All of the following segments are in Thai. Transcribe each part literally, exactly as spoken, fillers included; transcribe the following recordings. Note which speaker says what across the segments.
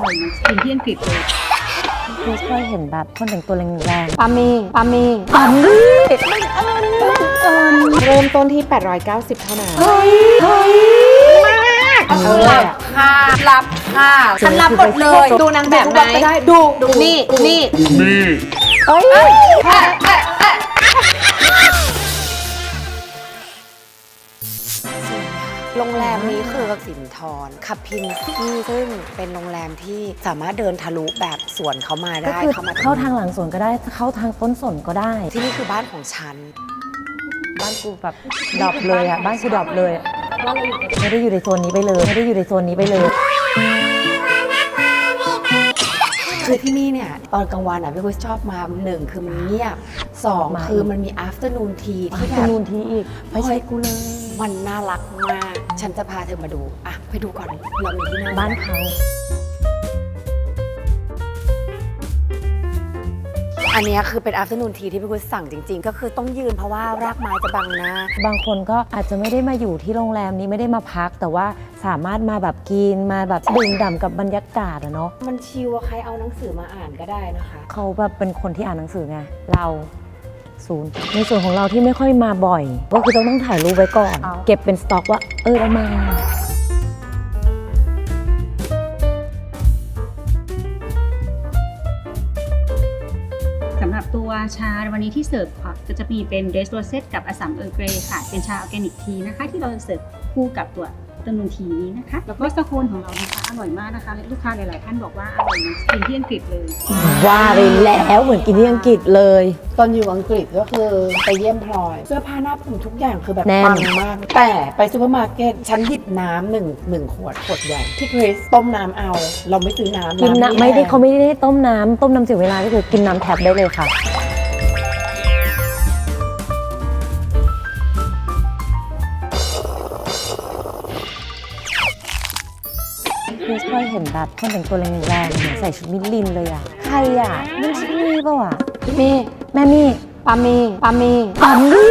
Speaker 1: อยเหมือนกินที่อังกฤษเลย
Speaker 2: คือเคยเห็นแบบคนแต่งตัวแรงๆ
Speaker 3: ปามีปามี
Speaker 2: ปามี่
Speaker 4: เริ่มต้นที่แปดร้อยเก้าสิบเท่านั้น
Speaker 2: เฮ้ยเฮ้ยมาก
Speaker 3: หลับค่ะหลับค่ะฉันรับหมดเลยดูนางแบบไหนดูดูนี่นี่นี่
Speaker 2: เอ้ย
Speaker 3: โรงแรมนี้คือสินทรคาพินซี่ซึ่งเป็นโรงแรมที่สามารถเดินทะลุแบบสวนเขามา
Speaker 2: ก็
Speaker 3: ได้
Speaker 2: คือ
Speaker 3: เข้ามา
Speaker 2: เข้าทางหลังสวนก็ได้เข้าทางต้นสนก็ได้
Speaker 3: ที่นี่คือบ้านของฉัน
Speaker 2: บ้านกูแบบดรอปเลยอ่ะบ้านกูดรอปเลยอะไม่ได้อยู่ในโซนนี้ไปเลยไม่ได้อยู่ในโซนนี้ไปเลย
Speaker 3: คือที่นี่เนี่ยตอนกลางวันอ่ะพี่กุ้ยชอบมาหนึ่งคือมันเงียบสองคือมันมี afternoon tea ที่แบบ
Speaker 2: นูนทีอีกไม่ใช่กูเลย
Speaker 3: มันน่ารักมาก ฉันจะพาเธอมาดูอ่ะไปดูก่อนเรามีที่นั่ง
Speaker 2: บ้านเขา
Speaker 3: อันนี้คือเป็น afternoon tea ที่พี่กุ้ยสั่งจริงๆ ก็คือต้องยืนเพราะว่ารากไม้จะบังหน้า
Speaker 2: บางคนก็อาจจะไม่ได้มาอยู่ที่โรงแรมนี้ไม่ได้มาพัก แต่ว่าสามารถมาแบบกินมาแบบดื่มด่ำกับบรรยากาศอะเนาะ
Speaker 3: มันชิลอะใครเอาหนังสือมาอ่านก็ได้นะคะ
Speaker 2: เขาแบบเป็นคนที่อ่านหนังสือไงเราศูนย์ในส่วนของเราที่ไม่ค่อยมาบ่อย ก็คือต้องต้องถ่ายรูปไว้ก่อน เก็บเป็นสต็อกว่าเออเรามา
Speaker 1: สำหรับตัวชาวันนี้ที่เสิร์ฟค่ะก็จะมีเป็นเดสโรเซตกับอสสัมเออร์เกรย์ค่ะเป็นชาออร์แกนิกทีนะคะที่เราเสิร์ฟคู่กับตัวต้นนูนทีนี้นะคะแล้วก็สโคนของเรานะคะอร่อยมากนะคะลูกค้าหลายๆท่านบอกว่าอร่อยเหมือนกินที่อังกฤษเลย
Speaker 2: ว่าไปแล้วเหมือนกินที่อังกฤษเลย
Speaker 4: ตอนอยู่อังกฤษก็คือไปเยี่ยมพลอย เสื้อผ้าหน้าผมทุกอย่างคือแบบ
Speaker 2: แน่น
Speaker 4: ปังมาก แต่ไปซูเปอร์มาร์เก็ตฉันหยิบน้ำหนึ่งหนึ่งขวดขวดใหญ่ที่คริสต้มน้ำเอา เราไม่ซื้อน้ำ
Speaker 2: กินนะ
Speaker 4: ำ
Speaker 2: ไม่ได้
Speaker 4: แห้ง
Speaker 2: เขาไม่ได้ต้มน้ำต้มน้ำเสียเวลาก็คือกินน้ำแท็บได้เลยค่ะคือเคยเห็นแบบคนแต่งตัวแรงๆเหมือนใส่ชุดมิลลินเลยอ่ะใครอ่ะนั่นชิมี่ป่าวะ
Speaker 3: มี
Speaker 2: แม่มี่
Speaker 3: ปามีปามี
Speaker 2: ปามี่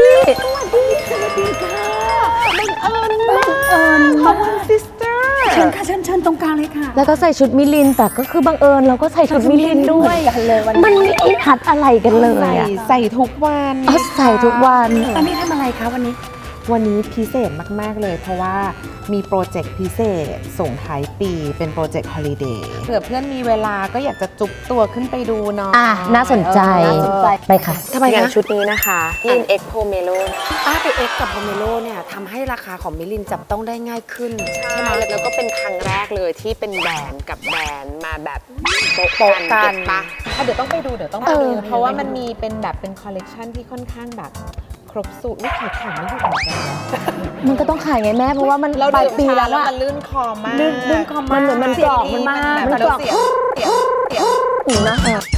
Speaker 4: ขอบคุณซิสเตอร์
Speaker 3: เชิญค่ะเชิญเชิญตรงกลางเลยค่ะ
Speaker 2: แล้วก็ใส่ชุดมิลลินแต่ก็คือบังเอิญเราก็ใส่ชุดมิลลินด้วย
Speaker 3: กันเลยวัน
Speaker 2: มันไม่ได้ทัดอะไรกันเลย
Speaker 4: ใส่
Speaker 2: อ่ะ
Speaker 4: ใส่ทุกวัน
Speaker 2: เอาใส่ทุกวัน
Speaker 3: ตอนนี้ทำอะไรคะวันนี้
Speaker 4: วันนี้พิเศษมาก ๆ เลยเพราะว่ามีโปรเจกต์พิเศษส่งท้ายปีเป็นโปรเจกต์ฮอลิเดย์เผื่อเพื่อนมีเวลาก็อยากจะจุกตัวขึ้นไปดูเนาะ
Speaker 2: อ่ะน่าสนใจ
Speaker 4: เออน่าสนใจ
Speaker 2: ไปค่ะ
Speaker 3: ทำไม
Speaker 4: อย่าง
Speaker 3: คะ
Speaker 4: ชุดนี้นะคะอินเอ็กโพเมโล
Speaker 3: ป้าไปเอ็กกับโฮเมโลเนี่ยทำให้ราคาของมิลินจับต้องได้ง่ายขึ้น
Speaker 5: ใช่แล้วก็เป็นครั้งแรกเลยที่เป็นแบรนด์กับแบรนด์มาแบบโปะ
Speaker 3: โปะกัน
Speaker 5: เก็บปะ
Speaker 4: เดี๋ยวต้องไปดูเดี๋ยวต้องไปดูเพราะว่ามันมีเป็นแบบเป็นคอลเลกชันที่ค่อนข้างแบบครบสูตรลูกขายของไม่หยุดเหมือนกัน
Speaker 2: มันก็ต้องขายไงแม่เพราะว่ามัน
Speaker 4: เรา
Speaker 2: ปลาย
Speaker 4: ดื่ม
Speaker 2: ปี
Speaker 4: ชา
Speaker 2: แล้ว
Speaker 4: แล้ว
Speaker 2: อะ
Speaker 4: มันลื่นคอมาก
Speaker 2: ลื่นลื่นคอมากมันเหมือนมันกรอบมันมากมันกรอบ
Speaker 4: เสียงเสียงเสียง
Speaker 2: หูนะ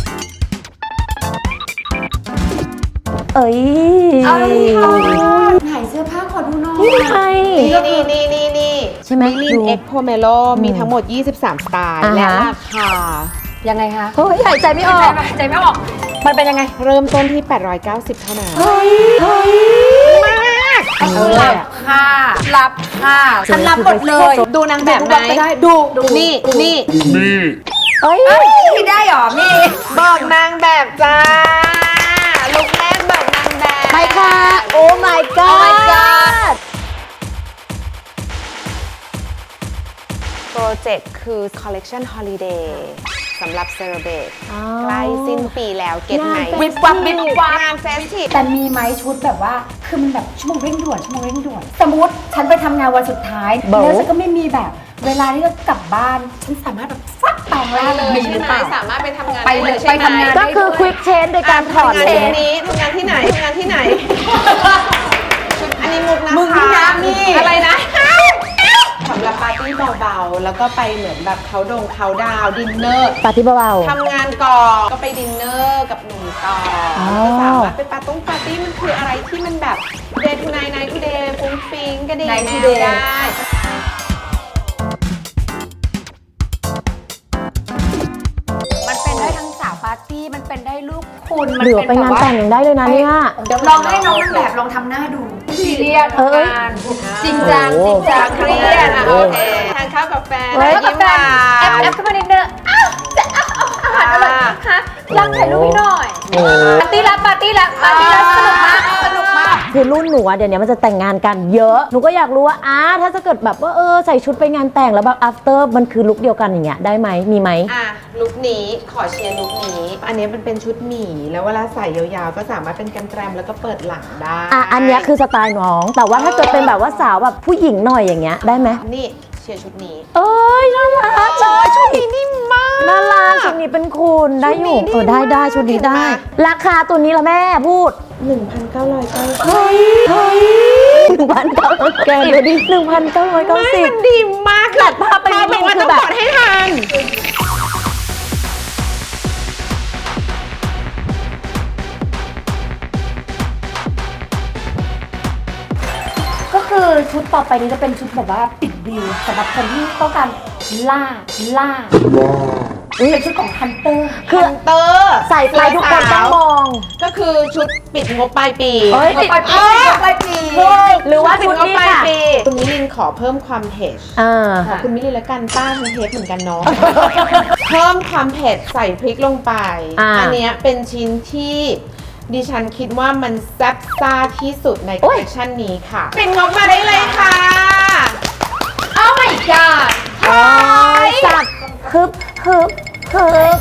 Speaker 2: เอ้ย
Speaker 3: ไหนเสื้อผ้าขอดูหน่อย
Speaker 2: นี่ไง
Speaker 4: นี่นี่นี่นี่
Speaker 2: ใช่ไหม
Speaker 4: มิลิน
Speaker 2: ดู
Speaker 4: เอ็กโพเมโลมีทั้งหมด ยี่สิบสาม สไตล์
Speaker 2: อ่าฮะ
Speaker 4: และราคา
Speaker 3: ยังไงคะ
Speaker 2: เฮ้ยหายใจไม่ออก
Speaker 3: ใจไม่ออก มันเป็นยังไง
Speaker 4: เริ่มต้นที่ แปดร้อยเก้าสิบ เท่านั้น
Speaker 2: เฮ้ยเฮ้ย
Speaker 3: หลับค่ะหลับค่ะฉันรับหมดเลย
Speaker 4: ดูนางแบบไหน
Speaker 3: ก็ได้ดูดูนี่นี่
Speaker 2: เอ้ย
Speaker 3: ที่ได้หรอมี่
Speaker 4: บอกนางแบบจ้าลุกแรกบอกนางแบบ
Speaker 2: ไปค่ะ โอ้ my god
Speaker 5: โปรเจกต์คือ Collection Holiday สำหรับเซเลบรต
Speaker 2: อ๋อ
Speaker 5: ใกล้สิ้นปีแล้วเก็ตไหน
Speaker 2: งาน
Speaker 3: วิบวับวิบวับ
Speaker 5: งานเฟสทีฟ
Speaker 3: แต่มีไหมชุดแบบว่าคือมันแบบชั่วโมงเร่งด่วนชั่วโมงเร่งด่วนสมมติฉันไปทำงานวันสุดท้าย
Speaker 2: เบา
Speaker 3: แล้วฉันก็ไม่มีแบบ เวลาที่จะกลับบ้าน ฉันสามารถแบบฟักแปลงร่าง
Speaker 5: เลย
Speaker 3: มี
Speaker 5: ใช่
Speaker 3: หรือ
Speaker 5: ไหม
Speaker 3: เปล่า
Speaker 5: สามารถไปทำงาน
Speaker 3: ไปเลย
Speaker 5: ใช่หม
Speaker 3: ไปทำงาน
Speaker 2: ก็คือ quick change โดยการถอด
Speaker 5: ทำ
Speaker 2: เล
Speaker 5: งาน
Speaker 2: ย
Speaker 5: ที่นี้ทำงานที่ไหนทำงานที่ไหน อันนี้มุกนะคะ
Speaker 3: มึงนี่นะนี่
Speaker 5: อะไรนะ
Speaker 4: สำหรับปาร์ตี้เบาๆ แล้วก็ไปเหมือนแบบเขาดงเขาดาวดินเนอร์
Speaker 2: ปาร์ตี้เบา
Speaker 4: ทำงานก่อนก็ไปดินเนอร์กับหนุ่มต่อ
Speaker 2: อ๋อ
Speaker 4: ก็สามารถไปปาร์ตี้ปาร์ตี้มันคืออะไรที่มันแบบ day to night night to day ฟุ้งฟิ้งก็ดี
Speaker 3: Night to
Speaker 4: แนว
Speaker 3: day
Speaker 4: ได้
Speaker 3: มันเป็นได้ทั้งสาวปาร์ตี้มันเป็นได้ลูกคุณ
Speaker 2: ๆ
Speaker 3: มัน
Speaker 2: เหลือ
Speaker 3: เป็น
Speaker 2: ไป
Speaker 3: แบบ
Speaker 2: งาน
Speaker 3: ว่า
Speaker 2: แต่งยังได้เลยนะเนี่ย
Speaker 3: เดี๋ยวลองให้น้องแบบลองทำหน้าดูซีเรียส
Speaker 2: เอ้ย
Speaker 3: ทำงานจริงจัง
Speaker 2: โอ้
Speaker 3: จริงจัง
Speaker 4: เครียดอ่ะโอเคทานข้าวกับแฟน
Speaker 2: เฮ้ย
Speaker 4: ยิ้มหวา
Speaker 3: แอป
Speaker 4: น
Speaker 3: แอปเข้ามานิดนึงอ้ารักถ่ายรูปพี่หน่อย
Speaker 2: โอ้
Speaker 3: ปาร์ตี้ละปาร์ตี้ละปาร์ตี้ละสนุกมากสนุกมาก
Speaker 2: คือรุ่นหนูอะเดี๋ยวนี้มันจะแต่งงานกันเยอะ หนูก็อยากรู้ว่าอ้าถ้าจะเกิดแบบว่าเออใส่ชุดไปงานแต่งแล้วแบบ after มันคือลุคเดียวกันอย่างเงี้ยได้ไหมมีไหม
Speaker 4: อ่ะลุคนี้ขอเชียร์ลุคนี้ อันนี้มันเป็นชุดหมีแล้วเวลาใส่ยาวๆ ก็สามารถเป็นกันแกรมแล้วก็เปิดหลังได้
Speaker 2: อ่ะอันเนี้ยคือสไตล์น้อง แต่ว่าถ้าเกิดเป็นแบบว่าสาวแบบผู้หญิงหน่อยอย่างเงี้ยได้ไหม
Speaker 4: นี่เชียร์ชุดนี้
Speaker 2: เอ้ยน่ารัก
Speaker 4: โอ้ยชุดนี้นิ่มมาก
Speaker 2: น่ารักชุดนี้เป็นคุณได้อยู่
Speaker 4: ชุดนี้
Speaker 2: เออได้
Speaker 4: ดีมาก
Speaker 2: ได้ชุดนี้ได้
Speaker 4: เห็นปะ
Speaker 2: ราคาตัวนี้ละแม่พูด
Speaker 4: หนึ่งพันเก้าร้อยเก้าสิบ
Speaker 2: เฮ้ยเฮ้ยหนึ่งพันเก้าร้อยแกดูดิหนึ่งพันเก้าร้อยเก้า
Speaker 4: ไม่
Speaker 2: สิบ
Speaker 4: มันดีมาก
Speaker 2: ตัดภาพไปนิดนึง
Speaker 4: บอกว่า
Speaker 2: คือ
Speaker 4: ต้อง
Speaker 2: แบบ
Speaker 4: กดให้ทัน
Speaker 3: ก็คือชุดต่อไปนี้จะเป็นชุดแบบว่าปิดวิวสำหรับคนที่ต้องการล่าล่าเป็นชุดของฮันเตอร์
Speaker 2: คือ
Speaker 4: เตอร์
Speaker 2: ใส่ไปทุกคนต้องมอง
Speaker 4: ก็คือชุดปิดงบปลายปี
Speaker 2: เฮ้ย
Speaker 3: ปิดปลายปีปลายปี
Speaker 2: หรือว่า
Speaker 4: ปิด
Speaker 2: ชุด
Speaker 4: งบ
Speaker 2: นี้
Speaker 4: ปลาย
Speaker 2: ค่ะ
Speaker 4: ปีตรงนี้ลินขอเพิ่มความเผ็ด
Speaker 2: อ่า
Speaker 4: ขอบคุณมิลลิแล้วกันป้าทั้งเทปเหมือนกันเนาะ เพิ่มความเผ็ดใส่พริกลงไป
Speaker 2: อ่า
Speaker 4: อันเนี้ยเป็นชิ้นที่ดิฉันคิดว่ามันแซ่บซ่าที่สุดในค
Speaker 2: โอ๊
Speaker 4: อล
Speaker 2: ย
Speaker 4: เลคชันนี้ค่ะปิดงบมาได้เลยค่ะ
Speaker 3: Oh my god
Speaker 2: โอ้ยจับฮึบฮึบฮึบ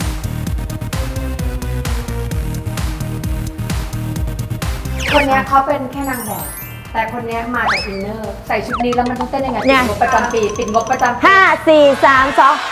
Speaker 3: คนเนี้ยเขาเป็นแค่นางแบบ แต่คนเนี้ยมาจากอินเนอร์ ใส่ชุดนี้แล้วมันต้องเต้นยังไง
Speaker 2: เนี่
Speaker 3: ปิ
Speaker 2: ย
Speaker 3: ดงบประจำปีปิดงบประจำปี
Speaker 2: ห้าสี่สามสอง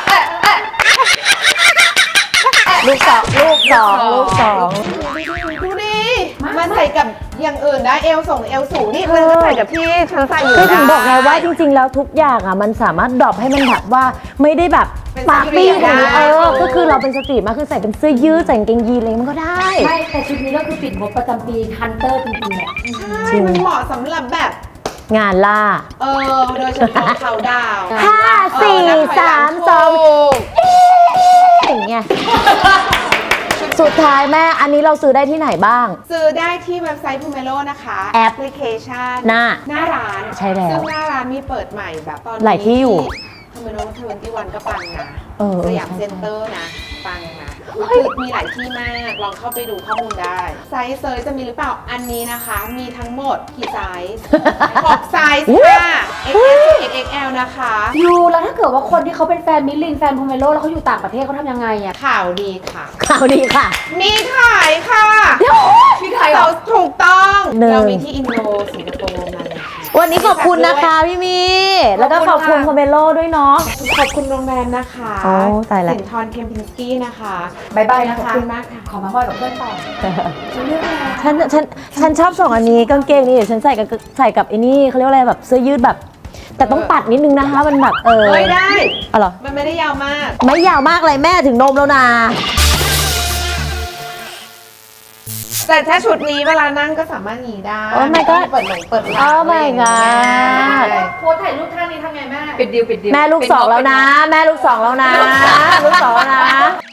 Speaker 2: ลูกสองลูกสองลูกสอง
Speaker 4: ดูดิมันใส่กับอย่างอื่นได้เอวส่งเอวสูงนี่มันใส่กับที่ฉันใส่อยู่
Speaker 2: คือถึง
Speaker 4: ได้
Speaker 2: บอกไงว่าจริงๆ แล้วทุกอย่างอ่ะมันสามารถดรอปให้มันแบบว่าไม่ได้แบบ
Speaker 4: เป็น
Speaker 2: ปาร์ตี้
Speaker 4: สตรีท
Speaker 2: ของนี้
Speaker 4: ได้
Speaker 2: เออก็คือเราเป็นสตรีทมากคือใส่เป็นเสื้อยืดใส่กางเกงยีนอะไรมันก็ได้
Speaker 3: ไม่แต่ชุดนี้ก็คือปิดงบประจำปีฮันเตอร์จริงๆแหละ
Speaker 4: ใช่มันเหมาะสำหรับแบบ
Speaker 2: งานล่า
Speaker 4: เออโดยเฉพาะเขาดาวน์
Speaker 2: ห้าสี่
Speaker 4: เออนับถอยหลั
Speaker 2: สามสอง
Speaker 4: ถูก
Speaker 2: อย่างเงี้ยสุดท้ายแม่อันนี้เราซื้อได้ที่ไหนบ้าง
Speaker 4: ซื้อได้ที่เว็บไซต์ Pomelo นะคะ
Speaker 2: แอป
Speaker 4: พลิเคชัน
Speaker 2: หน้า
Speaker 4: หน้าร้าน
Speaker 2: ใช่แล้ว
Speaker 4: ซึ่งหน้าร้านมีเปิดใหม่แบบตอนนี้
Speaker 2: หลายที่อยู่
Speaker 4: ทำไมโน้ตทเวนตี้วันก็ปังนะ
Speaker 2: เออ
Speaker 4: สยาม
Speaker 2: ใช่
Speaker 4: เซ็นเตอร์นะ ปังนะคือมีหลายที่มาก ลองเข้าไปดูข้อมูลได้ ไซส์เซอร์จะมีหรือเปล่า อันนี้นะคะ มีทั้งหมดกี่ไซส์ หกไซส์ค่ะ เอ็กซ์ เอส เอ็กซ์ แอล นะคะ
Speaker 3: ยูแล้วถ้าเกิดว่าคนที่เขาเป็นแฟนมิลลินแฟนโพเมโลแล้วเขาอยู่ต่างประเทศเขาทำยังไงอ่ะ
Speaker 4: ข่าวดีค่ะ
Speaker 2: ข่าวดีค่ะ
Speaker 4: มีขายค่ะ
Speaker 3: ที่ไทยเหรอ
Speaker 4: เราถูกต้อง
Speaker 2: หนึ่ง
Speaker 4: เรามีที่อินโดสิงคโปร์มาเลยค่ะ
Speaker 2: วันนี้ขอบคุณนะคะพี่มี แล้วก็ขอบคุณ
Speaker 3: ขอบคุณค่ะ
Speaker 2: คอมเมโลด้วยเนาะ
Speaker 4: ขอบคุณโรงแรมนะคะ
Speaker 2: อ๋อตายละ
Speaker 4: สินทรเคมพินสกี้นะคะ
Speaker 3: บายบาย
Speaker 4: ข
Speaker 3: นะ
Speaker 4: อบ
Speaker 3: คะ
Speaker 4: คุณมากค่ะ
Speaker 3: ขอมาห้อยกับเพื่อนต่อจะเลือกอะไร
Speaker 2: ฉันฉันฉันชอบส่งอันนี้กางเกงนี่เดี๋ยวฉันใส่กับใส่กับไอ้นี่เขาเรียกว่าอะไรแบบเสื้อยืดแบบ แต่ต้องปัดนิดนึงนะคะมันแบบเออ
Speaker 4: เฮ้ยได้
Speaker 2: อ๋อเหรอ
Speaker 4: มันไม่ได้ยาวมาก
Speaker 2: ไม่ยาวมากเลยแม่ถึงนมแล้วนะ
Speaker 4: แต่ถ้าชุดนี้เวลานั่งก็สามารถหนีได้
Speaker 2: โอ้ my god
Speaker 4: เปิดหลงเปิดหลัง
Speaker 2: โอ้ my god
Speaker 3: โพสถ่ายรูปท่านี้ทำไงแม่ ปิดดิวปิดดิว
Speaker 2: แม่ลูกสองแล้วนะ แม่ลูกสองแล้วนะ ลูกสองแล้วนะ